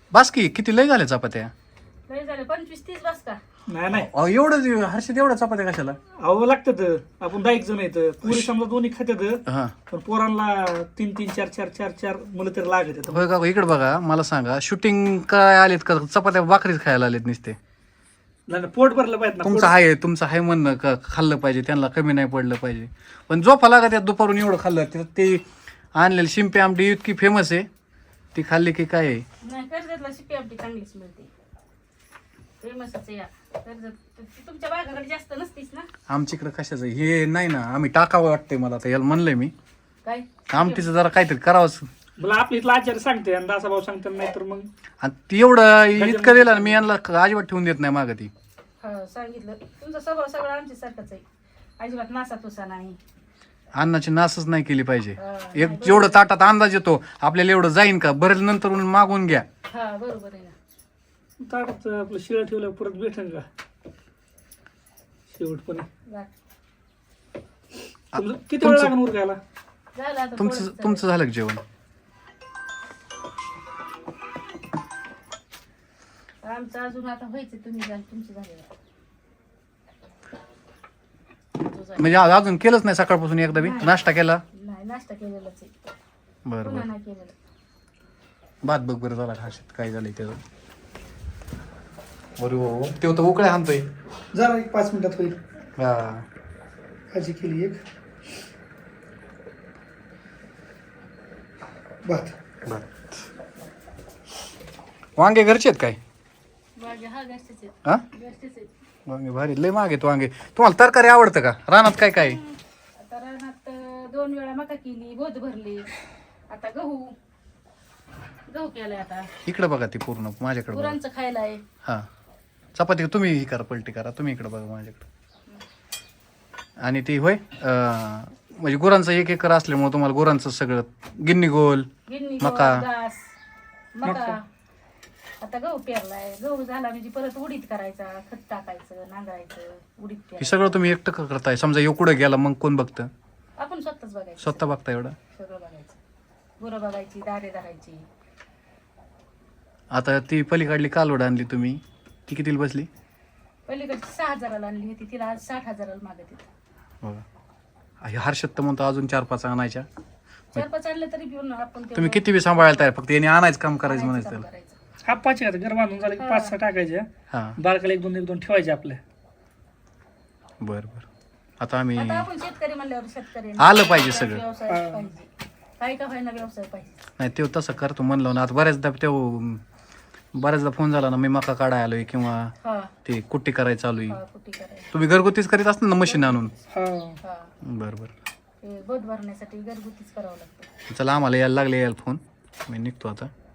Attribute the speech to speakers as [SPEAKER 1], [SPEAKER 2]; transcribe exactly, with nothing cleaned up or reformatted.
[SPEAKER 1] बास की किती लय झाल्या चपात्या?
[SPEAKER 2] लय झाले पंचवीस तीस बस का?
[SPEAKER 3] नाही नाही
[SPEAKER 1] अहो, एवढं हर्षद एवढ्या चपात्या कशाला?
[SPEAKER 3] अहो लागतात आपण दहा एक जण येतं पुरी समजा दोन्ही खात्यात
[SPEAKER 1] हा
[SPEAKER 3] पण पोरांना तीन तीन चार चार चार चार मुलं तर लागत येतं.
[SPEAKER 1] होय का? इकडे बघा मला सांगा, शूटिंग काय आलेत का चपात्या भाकरीच खायला आलेत नुसते?
[SPEAKER 3] नाही नाही, पोट भरलं पाहिजे ना
[SPEAKER 1] तुमचं आहे तुमचं आहे म्हणणं का खाल्लं पाहिजे, त्यांना कमी नाही पडलं पाहिजे, पण झोपा लागत यात दुपारून एवढं खाल्लं त्यात ते आणलेलं शिंपी आमटी इतकी फेमस आहे, ती खाल्ली की काय आहे?
[SPEAKER 2] नाही कर्जतला शिपी आमटी चांगलीच मिळते, फेमसच आहे या कर्जत. ती तुमच्या बागाकडे जास्त नसतीच ना?
[SPEAKER 1] आमच्याकडे कशाचं हे नाही ना, आम्ही टाकावं वाटतंय मला आता याला म्हणलंय मी
[SPEAKER 2] काय
[SPEAKER 1] आमटीचं जरा काहीतरी करावंच.
[SPEAKER 3] मला आपली इथला आचार्य सांगते आणि दासा भाऊ सांगते नाही तर मग
[SPEAKER 1] आणि ती एवढं इतकं दिलं ना मी यांना अजिबात ठेवून देत नाही मागं ती.
[SPEAKER 2] हा सांगितलं तुमचा स्वभाव सगळं आमच्या सारखंच आहे, अजिबात नासा तुसा नाही.
[SPEAKER 1] अन्नाची नासच नाही केली पाहिजे.
[SPEAKER 2] हा,
[SPEAKER 1] एक जेवढं ताटात अंदाज येतो आपल्याला एवढं जाईन का बरेच नंतर मागून घ्या.
[SPEAKER 2] हा बरोबर आहे ना.
[SPEAKER 3] ताटात आपलं शिळ ठेवलं परत भेटेन का शेवटपणे?
[SPEAKER 2] वा.
[SPEAKER 3] तुमचं किती वेळ लागून उरकायला?
[SPEAKER 2] झालं आता
[SPEAKER 1] तुमचं
[SPEAKER 2] थोडंच
[SPEAKER 1] तुमचं झालं का जेवण?
[SPEAKER 2] झालं. आमचं अजून आता व्हायचं, तुम्ही झालं तुमचं झालं.
[SPEAKER 1] म्हणजे आज अजून केलंच नाही सकाळपासून एकदा बी नाश्ता केला?
[SPEAKER 2] नाही नाश्ता केलेलाच आहे,
[SPEAKER 1] बरं
[SPEAKER 2] पुन्हा
[SPEAKER 1] बरं.
[SPEAKER 2] नाही केलेलं.
[SPEAKER 1] भात बघ बरं झाला खाशात काय झालंय त्याचं. बरं हो ते होतं उकळ्या हाणतोय.
[SPEAKER 3] जरा एक पाच मिनिटात होईल.
[SPEAKER 1] हा
[SPEAKER 3] भाजी केली एक भात.
[SPEAKER 1] भात. वांगे घरचे आहेत काय?
[SPEAKER 2] वांगे हा घरचेच आहेत,
[SPEAKER 1] हा
[SPEAKER 2] घरचेच आहेत.
[SPEAKER 1] वांगे भारी लय मागे वांगे. तुम्हाला तरकारी आवडतं का? रानात काय काय?
[SPEAKER 2] आता रानात अं, दोन वेळा मका केली, बोध भरली, आता गहू गहू केलाय. आता
[SPEAKER 1] इकडे बघा ती पूर्ण माझ्याकडे बघा.
[SPEAKER 2] गुरांचं खायला आहे.
[SPEAKER 1] हा चपाती तुम्ही ही करा पलटी करा, तुम्ही इकडे बघा माझ्याकडे. आणि ती होय अं, म्हणजे गुरांचं एक एकर असल्यामुळे तुम्हाला गुरांचं सगळं गिन्नी गोल
[SPEAKER 2] गिरणी
[SPEAKER 1] मका.
[SPEAKER 2] घास मका. आता गहू पेरलाय, गहू झाला म्हणजे परत उडीद करायचा, खत टाकायचं, नांगरायचं, उडीद
[SPEAKER 1] हे
[SPEAKER 2] पेरायचं.
[SPEAKER 1] सगळं तुम्ही एकटं क- करताय? समजा येऊ कुठं गेला मग कोण बघतं?
[SPEAKER 2] आपण स्वतःच बघायचं,
[SPEAKER 1] स्वतः बघता एवढं?
[SPEAKER 2] सगळं बघायचं, गुरं बघायची, दारे धरायची.
[SPEAKER 1] आता ती पलीकडली कालवड आणली तुम्ही, ती कितीला बसली?
[SPEAKER 2] पलीकडची सहा हजाराला आणली होती, तिला आज साठ हजाराला मागत येत.
[SPEAKER 1] बघा हे हर्षद तर म्हणतो अजून चार पाच आणायच्या.
[SPEAKER 2] चार पाच आणलं तरी घेऊन आपण तेवढं
[SPEAKER 1] तुम्ही किती बी सांभाळायला तयार, फक्त याने आणायचं काम करायचं
[SPEAKER 2] करायचं,
[SPEAKER 1] म्हणायचं
[SPEAKER 2] काम
[SPEAKER 1] त्याला.
[SPEAKER 2] करायचं.
[SPEAKER 3] हा पाच आहेत घर बांधून झालं की पाच सहा टाकायच्या,
[SPEAKER 1] हा
[SPEAKER 3] बारकाला एक दोन एक दोन ठेवायचे आपल्या.
[SPEAKER 1] बरं बरं. आता आम्ही
[SPEAKER 2] आता आपण शेतकरी म्हणल्यावर शेतकरी
[SPEAKER 1] आलं पाहिजे सगळं.
[SPEAKER 2] व्यवसाय पाहिजे, काही का व्हायना व्यवसाय पाहिजे.
[SPEAKER 1] नाही ते तसं करतो म्हणलं ना. आता बऱ्याचदा ते बऱ्याचदा फोन झाला ना मी मका काढाय आलोय किंवा
[SPEAKER 2] हा
[SPEAKER 1] ते कुट्टी करायला चालू
[SPEAKER 2] हा
[SPEAKER 1] आहे.
[SPEAKER 2] कुठे करायचं.
[SPEAKER 1] तुम्ही घरगुतीच करीत असता ना मशीन आणून?
[SPEAKER 3] हा
[SPEAKER 2] हा
[SPEAKER 1] बरं बरं.
[SPEAKER 2] ते बोध भरण्यासाठी घरगुतीच करावं लागतं.
[SPEAKER 1] चला आम्हाला यायला लागले यायला फोन, मी निघतो आता.